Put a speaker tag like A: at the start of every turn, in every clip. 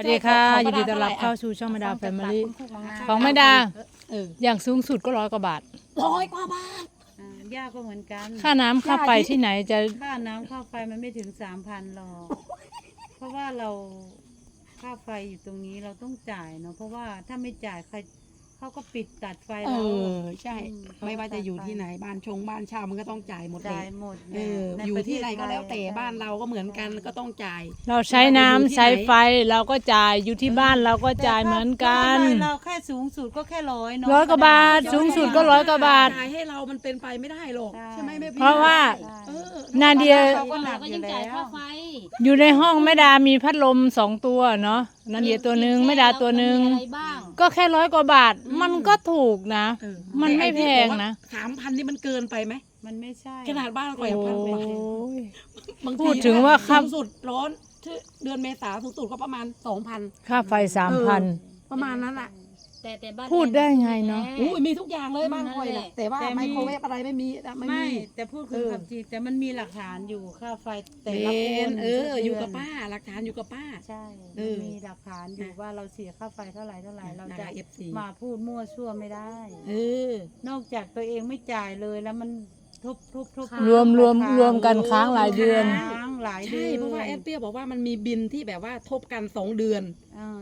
A: วัสดีค่ะยินดีต้อนรับเข้าสู่ช่องแม่ดาแฟมิลี่ของแม่ดาอย่างสูงสุดก็100 กว่าบาท
B: 100 กว่าบาท
C: ย่าก็เหมือนกัน
A: ค่าน้ำค่าไฟที่ไหนจะ
C: ค่าน้ำค่าไฟมันไม่ถึง3,000หรอกเพราะว่าเราค่าไฟอยู่ตรงนี้เราต้องจ่ายเนาะเพราะว่าถ้าไม่จ่ายใครเขาก็ปิดตัดไฟเรา
B: ใช่ไม่ว่าจะอยู่ที่ไหนบ้านเช่ามันก็ต้องจ่ายหมดเลย
C: จ่ายหมด
B: อยู่ที่ไหนก็แล้วแต่บ้านเราก็เหมือนกันก็ต้องจ่าย
A: เราใช้น้ำใช้ไฟเราก็จ่ายอยู่ที่บ้านเราก็จ่ายเหมือนกัน
C: เราแค่สูงสุดก็แค่100เนาะ
A: 100 กว่าบาทสูงสุดก็100 กว่าบาท
B: จ่ายให้เรามันเป็นไปไม่ได้หรอกใช่ไหมแม่พี่
A: เพราะว่านาเดีย
C: เราก็หนักอยู่แล้ว
A: อยู่ในห้องแม่ดามีพัดลม2 ตัวเนาะนาเดียตัวหนึ่งแม่ดาตัวหนึ่งก็แค่100 กว่าบาทมันก็ถูกนะมันไม่แพงนะ
B: 3,000นี่มันเกินไปไหม
C: มันไม่ใช่
B: ขนาดบ้านก่อย1,000บางที
A: พูดถึงว่า
B: สูงสุดร้อนเดือนเมษาสูงสุดก็ประมาณ 2,000
A: ค่าไฟ3,000
B: ประมาณนั้นแหละ
D: แต่บ้าน
A: พูดได้ไงเนาะ
B: มีทุกอย่างเลยบ้านคอยแหละแต่ว่าไมโครเวฟอะไรไม่มี
C: แต่พูดคือความจริงแต่มันมีหลักฐานอยู่ค่าไฟแต่ละคน
B: อยู่กับป้าหลักฐานอยู่กับป้า
C: ใช่มีหลักฐานอยู่ว่าเราเสียค่าไฟเท่าไหร่เราจะมาพูดมั่วซั่วไม่ได้นอกจากตัวเองไม่จ่ายเลยแล้วมันทุบ
A: รวมกันค้างหลายเดือน
B: ใช่เพราะว่าแอดเปียบอกว่ามันมีบินที่แบบว่าทบกัน2 เดือน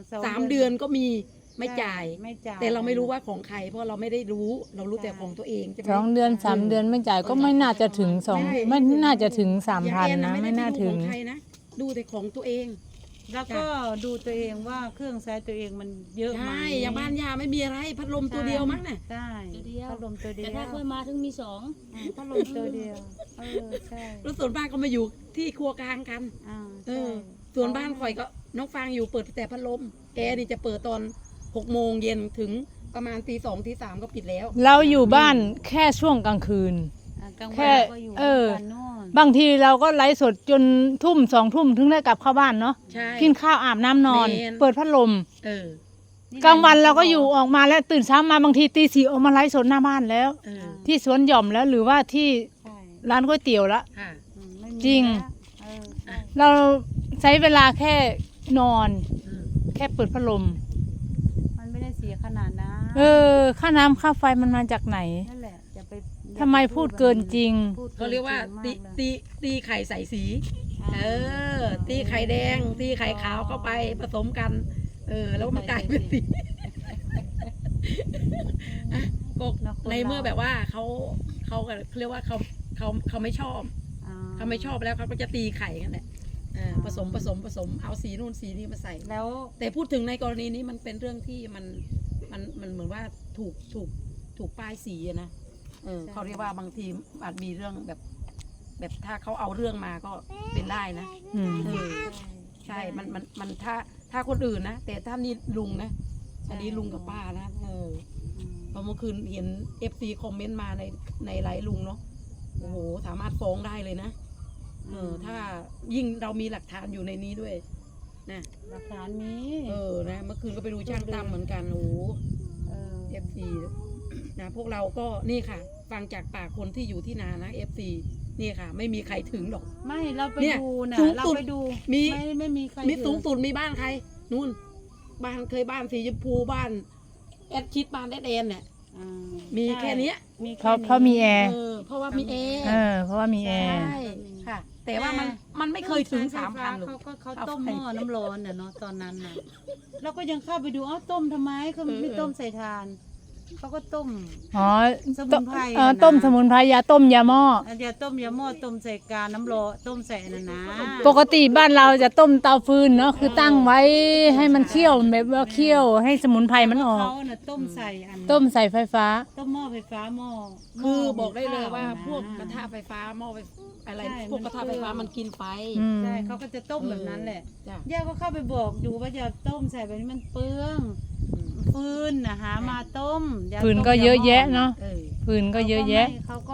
B: 3 เดือนก็มีไม่จ่ายแต่เราไม่รู้ว่าของใครเพราะเราไม่ได้รู้เรารู้แต่ของตัวเองใช่ไหม
A: 2 เดือน3 เดือนไม่จ่ายก็ไม่น่าจะถึง2ไม่น่าจะถึง 3,000นะไม่น่าถึง
B: ดูแต่ของตัวเอง
C: แล้วก็ดูตัวเองว่าเครื่องใช้ตัวเองมันเยอะไหม
B: ใช่อย่างบ้านยาไม่มีอะไรพัดลมตัวเดียวมั้งน่ะ
C: ใช่พัดลมตัวเดียว
D: แต่ถ้าเคยมาถึงมี2
C: พัดลมตัวเดียวใช่
B: แล้วส่วนบ้านก็มาอยู่ที่ครัวกลางกันส่วนบ้านข่อยก็น้องฟางอยู่เปิดแต่พัดลมแอร์นี่จะเปิดตอน6 โมงเย็นถึงประมาณตี 2 ตี 3ก็ปิดแล้ว
A: เราอยู่บ้านแค่ช่วงกลางคืนแค่บางทีเราก็ไลฟ์สดจนทุ่ม2 ทุ่มถึงได้กลับเข้าบ้านเนาะกินข้าวอาบน้ำนอนเปิดพัดลมกลางวันเราก็อยู่ออกมาแล้วตื่นเช้ามาบางทีตี 4ออกมาไลฟ์สดหน้าบ้านแล้วที่สวนหย่อมแล้วหรือว่าที่ร้านก๋วยเตี๋ยวละจริงเราใช้เวลาแค่นอนแค่เปิดพัดลม
C: ไม่ได้เสียขนาดนะ
A: ค่าน้ำค่าไฟมันมาจากไหน
C: นั่นแหละจะไป
A: ทำไมพูดเกินจริง
B: เขาเรียกว่าตีไข่ใส่สีตีไข่แดงตีไข่ขาวเข้าไปผสมกันแล้วมันกลายเป็นสีก็ในเมื่อแบบว่าเขาเรียกว่าเขาไม่ชอบแล้วเขาก็จะตีไข่กันแหละผสมเอาสีนู่นสีนี้มาใส่
C: แล้ว
B: แต่พูดถึงในกรณีนี้มันเป็นเรื่องที่มันเหมือนว่าถูกป้ายสีนะเขาเรียกว่าบางทีอาจมีเรื่องแบบถ้าเขาเอาเรื่องมาก็เป็นได้นะใช่มันถ้าคนอื่นนะแต่ถ้านี่ลุงนะอันนี้ลุงกับป้านะพอเมื่อคืนเห็น FC คอมเมนต์มาในไลฟ์ลุงเนาะโอ้โหสามารถฟ้องได้เลยนะถ้ายิ่งเรามีหลักฐานอยู่ในนี้ด้วยนะ
C: หลักฐานมี
B: นะเมื่อคืนก็ไปดูช่างตั้มเหมือนกันโอ้FC นะพวกเราก็นี่ค่ะฟังจากปากคนที่อยู่ที่นานะ FC นี่ค่ะไม่มีใครถึงหรอก
C: ไม่เราไปดูนะเราไปดูไม่มีใคร
B: มีสูงสุดมีบ้านใครนู่นบ้านเคยบ้านสีชมพูบ้านแอดชิดบ้านแอดแอนเนี่ยมีแค่นี้
A: เพราะมีแอร์
B: เพราะว่ามีแอร์
A: เพราะว่ามีแอร์
B: ใช่ค่ะแต่ว่ามันไม่เคยถึง3,000หรอก
C: เขาต้มหม้อน้ำร้อนเนาะตอนนั้นน่ะเราก็ยังเข้าไปดูต้มทำไมเขาไม่ต้มใส่ถ่านเขาก็ต้มสมุนไพร
A: ต้มสมุนไพรยาต้มยาหม้อย
C: าต้มยาหม้อต้มใส่กาน้ำร้อนต้มใส่นั่นนะ
A: ปกติบ้านเราจะต้มเตาฟืนเนาะคือตั้งไว้ให้มันเคี่ยวแบบว่าเคี่ยวให้สมุนไพรมันออก
C: เขาน่ะต้มใ
A: ส่ไฟฟ้า
C: ต้มหม้อไฟฟ้าหม้อ
B: คือบอกได้เลยว่าพวกกระทะไฟฟ้าหม้ออะไรพวกกระทะไฟฟ้ามันกินไฟ
C: ใช่เขาก็จะต้มแบบนั้นแหละย่าก็เข้าไปบอกอยู่ว่าจะต้มใส่แบบนี้มันเปลืองฟืนนะหามาต้ม
A: ฟืนก็เยอะแยะเนาะฟืนก็เยอะแยะ
C: เขาก็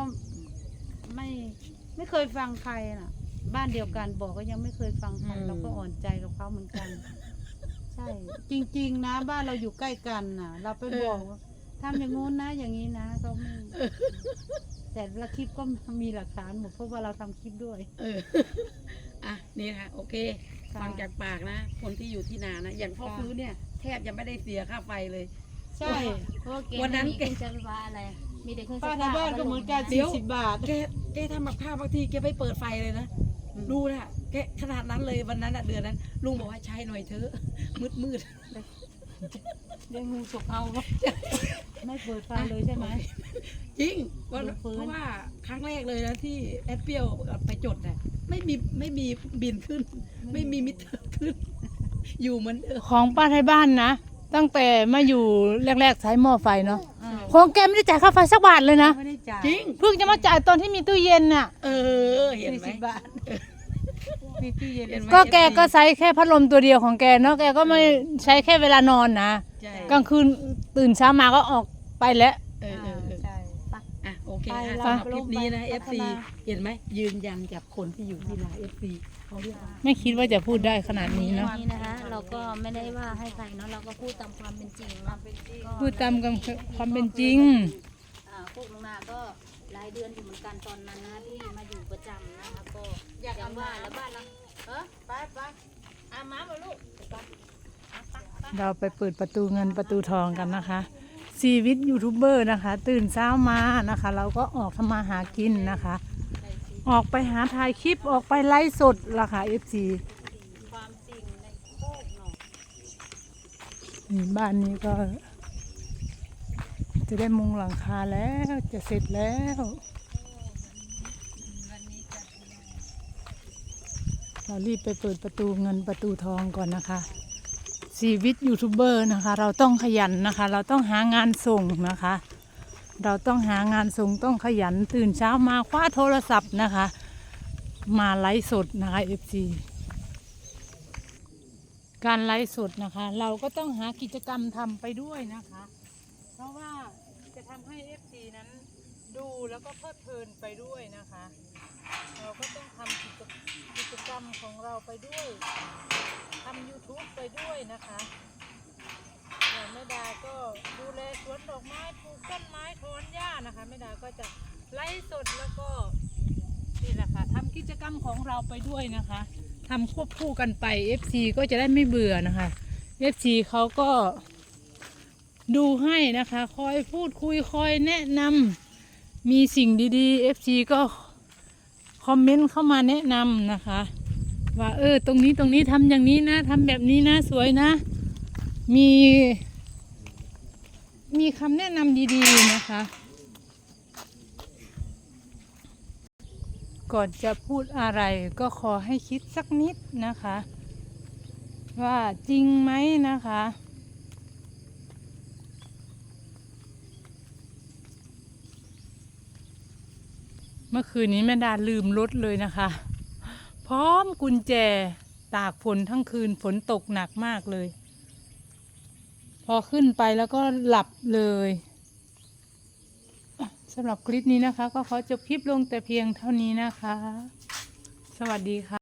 C: ไม่เคยฟังใครน่ะบ้านเดียวกันบอกก็ยังไม่เคยฟังใครเราก็อ่อนใจกับเขาเหมือนกันใช่จริงๆนะบ้านเราอยู่ใกล้กันน่ะเราไปบอกทำอย่างงู้นนะอย่างนี้นะเขาไม่แต่ละคลิปก็มีหลักฐานหมดเพราะว่าเราทำคลิปด้วย
B: นี่ค่ะโอเคฟังจากปากนะ คนที่อยู่ที่นานะ อย่างพ่อฟื้นเนี่ยแทบยังไม่ได้เสียค่าไฟเลย
C: ใช่
D: เพราะว่าแก
B: วันนั้น
D: ไม่มีเครื่องใช้ไฟฟ้าอะไร มีแต่เครื่อง
C: ป้า
D: ซัก
C: ทางบ้านก็เหมือนกัน
B: เดี๋ยว
C: 40 บาท
B: แกทำกับข้าวบางทีแกไม่เปิดไฟเลยนะ ดูนะแกขนาดนั้นเลยวันนั้นอะเดือนนั้น ลุงบอกว่าใช้หน่อยเถอะ มืด
C: เลี้ยงงูฉกเอาก็ไม่เปิดไฟเลยใช่ไหม
B: จริงวัน
C: ลุงฟื้น
B: เพราะว่าครั้งแรกเลยนะที่แอดเปรี้ยวไปจดน่ะไม่มีบินขึ้น ไม่มีมิเตอร์ขึ้น อยู่เหมือนเดิม
A: ของป้าไทยบ้านนะตั้งแต่มาอยู่แรกๆใช้หม้อไฟเนาะของแกไม่ได้จ่ายค่าไฟสักบาทเลยนะ
C: ไม่ได้จ่าย
B: จริง
A: เพิ่งจะมาจ่ายตอนที่มีตู้เย็นน่ะ
B: เห็นไหม
C: 40 บาทมีตู้เย็น
B: เห็นไหม
A: ก็แกก็ใช้แค่พัดลมตัวเดียวของแกเนาะแกก็ไม่ใช้แค่เวลานอนนะ
B: ใช่
A: กลางคืนตื่นเช้ามาก็ออกไปแล้ว
C: ใช่
B: อ่ะโอเค
C: ไป
B: ค่ะ
C: เรา
B: สำหรับคลิปนี้นะ
C: ไปพัฒ
B: FC
C: นา
B: เห็นไหมยืนยันจากคนที่อยู่ที่นา FC เขาเรียกว่า
A: ไม่คิดว่าจะพูดได้ขนาดนี้เนาะ
D: นี้นะคะ เราก็ไม่ได้ว่าให้ใครเนาะ เราก็พูดตามความเป็นจริงเนาะ
A: พูดตามความเป็นจริง
D: พวกลงนาก็รายเดือนอยู่เหมือนกันตอนนั้นนะที่มาอยู่ประจำนะคะก็อย่างว่าแล้วบ้านเรา
C: ไปอามาบ่ลูก
A: เราไปเปิดประตูเงินประตูทองกันนะคะชีวิตยูทูบเบอร์นะคะ ตื่นเช้ามานะคะ เราก็ออกทำมาหากินนะคะ ออกไปหาถ่ายคลิปออกไปไลฟ์สดล่ะค่ะ FC
C: ความจริงในโคกหนอง
A: นี่บ้านนี้ก็ จะได้มุงหลังคาแล้วจะเสร็จแล้ว เรารีบไปเปิดประตูเงินประตูทองก่อนนะคะชีวิตยูทูบเบอร์นะคะ เราต้องขยันนะคะ เราต้องหางานส่งนะคะ เราต้องหางานส่งต้องขยันตื่นเช้ามาคว้าโทรศัพท์นะคะ มาไลฟ์สดนะคะ FC การไลฟ์สดนะคะ เราก็ต้องหากิจกรรมทำไปด้วยนะคะ เพราะว่าจะทำให้ FC นั้นดูแล้วก็เพลิดเพลินไปด้วยนะคะ เราก็ต้องทำกิจกรรมของเราไปด้วยทำ YouTube ไปด้วยนะคะอย่างแม่ดาก็ดูแลสวนดอกไม้ปลูกต้นไม้ถอนหญ้านะคะแม่ดาก็จะไลฟ์สดแล้วก็นี่แหละค่ะทำกิจกรรมของเราไปด้วยนะคะทำควบคู่กันไป FC ก็จะได้ไม่เบื่อนะคะ FC เขาก็ดูให้นะคะคอยพูดคุยคอยแนะนำมีสิ่งดีๆ FC ก็คอมเมนต์เข้ามาแนะนำนะคะว่าตรงนี้ทำอย่างนี้นะทำแบบนี้นะสวยนะ มีคำแนะนำดีๆนะคะ ก่อนจะพูดอะไรก็ขอให้คิดสักนิดนะคะ ว่าจริงไหมนะคะ เมื่อคืนนี้แม่ดาลืมรถเลยนะคะ พร้อมกุญแจตากฝนทั้งคืนฝนตกหนักมากเลย พอขึ้นไปแล้วก็หลับเลยสำหรับคลิปนี้นะคะ ก็ขอจบคลิปลงแต่เพียงเท่านี้นะคะ สวัสดีค่ะ